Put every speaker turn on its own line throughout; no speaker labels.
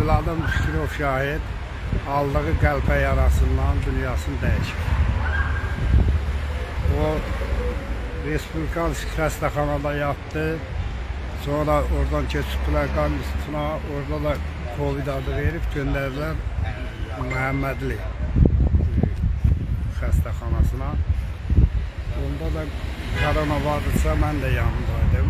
Evladım Şükürov Şahid aldığı qəlpə yarasından dünyasını dəyişir. O Respublikansik xəstəxanada yatdı. Sonra oradan keçib Qan İnstitutuna, orada da Covid adı verib göndərdilər Məhəmmədli xəstəxanasına. Onda da korona vardısa mən də yanındaydım.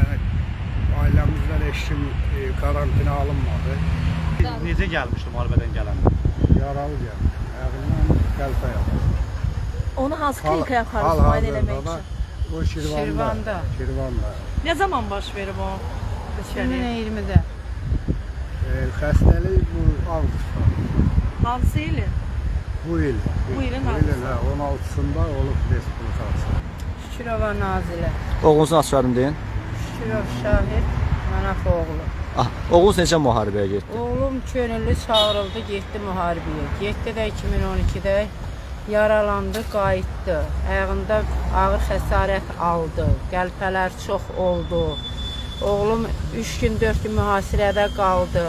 Ailəmizdən eşim karantina alınmadı.
Necə gəlmişdi müharibədən gələndə?
Yaralı gəlmiş. Ayağından qəlpə yapmış.
Onu hansı klinikaya aparırız müayinə eləmək üçün?
O Şirvanda.
Ne zaman baş verib o?
2020'de.
Xəstəlik bu avqustda.
Hansı ilin?
Bu il.
Bu ilin
16'sında olub Respublikası.
Şükürova Nazile.
Oğlunuzun açarım deyin.
Şükürov Şahid. Manaf oğlu.
Ah, oğlunuz necə müharibəyə getdi?
Oğlum könüllü çağırıldı, getdi müharibəyə. Getdi də 2012'də yaralandı, qayıtdı. Ayağında ağır xəsarət aldı. Qəlpələr çox oldu. Oğlum 3 gün 4 gün mühasirədə qaldı.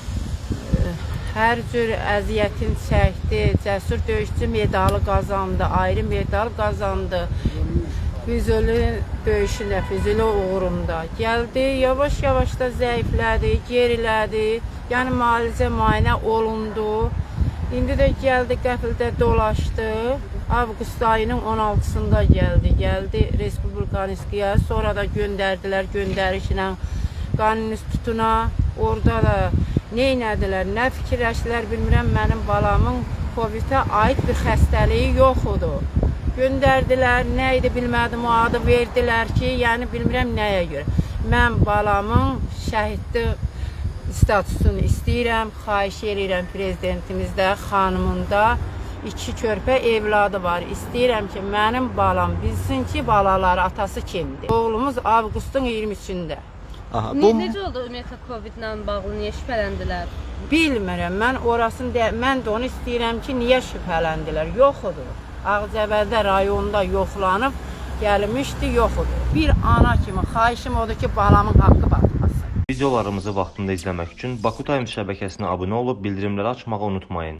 Hər cür əziyyətin çəkdi. Cəsur döyüşçü medalı qazandı, ayrı medal qazandı. Füzuli döyüşündə, Füzuli uğrunda gəldi. Yavaş-yavaş da zəiflədi, gerilədi. Yəni müalicə olundu. İndi də gəldi, qəfildə dolaşdı. Avqust ayının 16'sında gəldi Respublikanskiyə. Sonra da göndərdilər göndərişlə Qan İnstitutuna. Orada da neynədilər, nə fikirləşdilər bilmirəm, mənim balamın Covid-ə aid bir xəstəliyi yoxudur. Göndərdilər, nə idi bilmədim, o adı verdilər ki, yəni bilmirəm nəyə görə. Mən balamın şəhidli statusunu istəyirəm, xahiş edirəm prezidentimizdə, xanımında 2 körpə evladı var. İstəyirəm ki, mənim balam bilsin ki, balaları atası kimdir. Oğlumuz avqustun 23'ünde.
Aha,
Necə oldu ümumiyyətlə Covid-lə bağlı, niyə şübhələndilər?
Bilmirəm, mən də onu istəyirəm ki, niyə şübhələndilər, yoxudur. Ağcabədə rayonunda yoxlanıb gəlmişdi, yoxudur. Bir ana kimi xahişim odur ki, balamın haqqı batmasın.
Videolarımızı vaxtında izləmək üçün Baku Times şəbəkəsinə abunə olub bildirimləri açmağı unutmayın.